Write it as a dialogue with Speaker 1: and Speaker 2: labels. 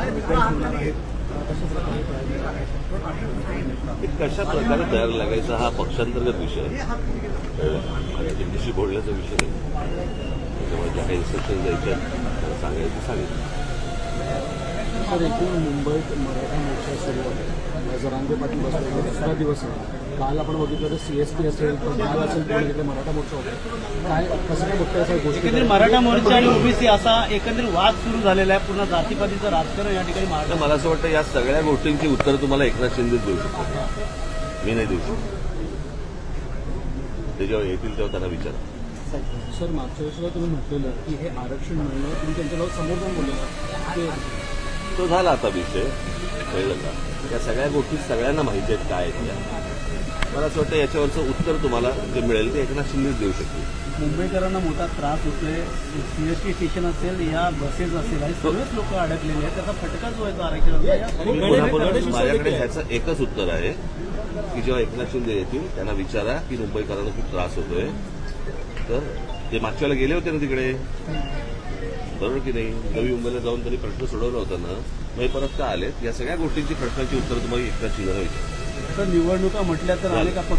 Speaker 1: समीकरण होणार आहेत कशा प्रकारे
Speaker 2: ते कशा प्रकारे तयार लागायचा हा पक्षांतर्गत विषय आहे. माझ्या दिल्लीशी बोलण्याचा विषय नाही. त्याच्यामुळे ज्या काही इन्स्ट्रक्शन द्यायच्या त्याला सांगायचं सांगितलं.
Speaker 1: तर एकूण मुंबईत मराठा मोर्चा सुरू आहे. जरांगे पाटील बसले दुसरा दिवस आहे. काल आपण बघितलं तर CST असेल पण काल असेल पण इकडे मराठा मोर्चा होता. काय कसं काय बघताय अशा गोष्टी?
Speaker 3: एकंदरीत मराठा मोर्चा आणि ओबीसी असा एकंदरीत वाद सुरू झालेला आहे. पूर्ण जातीपातीचं राजकारण या ठिकाणी
Speaker 2: तर मला असं वाटतं या सगळ्या गोष्टींची उत्तर तुम्हाला एकनाथ शिंदेच देऊ शकतो. मी नाही देऊ शकतो. ते जेव्हा येतील तेव्हा त्यांना विचारा.
Speaker 1: सर मागच्या वेळेस तुम्ही म्हटलेलं की हे आरक्षण मिळणं तुम्ही त्यांच्याजवळ समोर जाऊन बोललेलं की
Speaker 2: तो झाला आता विषय कळलं का. या सगळ्या गोष्टी सगळ्यांना माहिती आहेत काय आहेत त्या. मला असं वाटतं याच्यावरचं उत्तर तुम्हाला जे मिळेल ते एकनाथ शिंदेच देऊ शकतील.
Speaker 3: मुंबईकरांना मोठा त्रास होतोय. CST स्टेशन असेल या बसेस असेल आणि सगळेच लोक अडकलेले आहेत. त्याचा फटका जो आहे तो आरक्षणाचा.
Speaker 2: माझ्याकडे ह्याचं एकच उत्तर आहे की जेव्हा एकनाथ शिंदे येतील त्यांना विचारा की मुंबईकरांना खूप त्रास होतोय. तर ते मागच्या वेळेला गेले होते ना तिकडे, बरोबर की नाही. नवी मुंबईला जाऊन त्यांनी प्रश्न सोडवला होता ना. मग परत का आलेत. या सगळ्या गोष्टींची प्रश्नांची उत्तर तुम्हाला एकनाथ शिंदेला विचारा.
Speaker 3: तर निवडणुका म्हटल्या तर अनेक